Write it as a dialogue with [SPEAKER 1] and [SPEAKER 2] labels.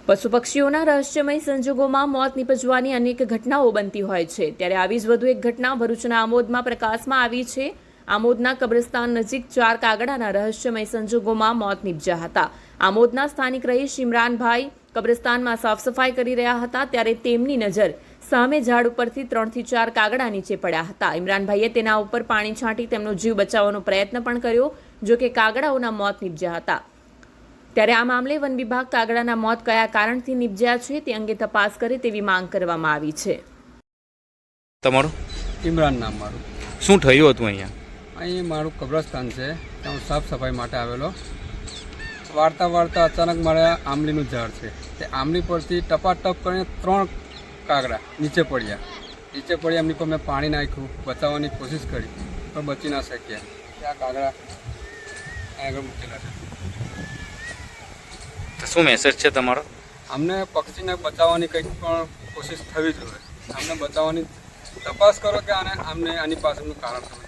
[SPEAKER 1] પશુ પક્ષીઓના રહસ્યમય સંજોગોમાં મોત નીપજવાની અનેક ઘટનાઓ બનતી હોય છે, ત્યારે આવી જ વધુ એક ઘટના ભરૂચના આમોદમાં પ્રકાશમાં આવી છે। આમોદના કબ્રસ્તાન નજીક 4 કાગડાના રહસ્યમય સંજોગોમાં મોત નીપજ્યા હતા। આમોદના સ્થાનિક રહીશ ઇમરાનભાઈ કબ્રસ્તાનમાં સાફ સફાઈ કરી રહ્યા હતા, ત્યારે તેમની નજર સામે ઝાડ ઉપરથી 3 થી 4 કાગડા નીચે પડ્યા હતા। ઇમરાનભાઈએ તેના ઉપર પાણી છાંટી તેમનો જીવ બચાવવાનો પ્રયત્ન પણ કર્યો, જો કે કાગડાઓના મોત નીપજ્યા હતા। ત્યારે આ મામલે વન વિભાગ કાગડાના મોત કયા કારણથી નીપજ્યા છે તે અંગે તપાસ કરે તેવી માંગ કરવામાં આવી છે।
[SPEAKER 2] તમારું
[SPEAKER 3] ઇમરાન નામ મારું।
[SPEAKER 2] શું થયું હતું અહીંયા?
[SPEAKER 3] અહીં મારું કબ્રસ્તાન છે, ત્યાં હું સાફ સફાઈ માટે આવેલો। વાળતા વાળતા અચાનક મારા આંબલીનું ઝાડ છે, તે આંબલી પરથી ટપાટપ કરીને 3 કાગડા નીચે પડ્યા। એમની પર મેં પાણી નાખ્યું, બચાવવાની કોશિશ કરી પણ બચી ના શક્યા। ત્યાં કાગડા આગળ મૂકેલા છે।
[SPEAKER 2] શું મેસેજ છે તમારો?
[SPEAKER 3] અમને પક્ષીને બચાવવાની કંઈક પણ કોશિશ થવી જોઈએ। અમને બચાવવાની તપાસ કરો કે આને આની પાછળનું કારણ સમજો।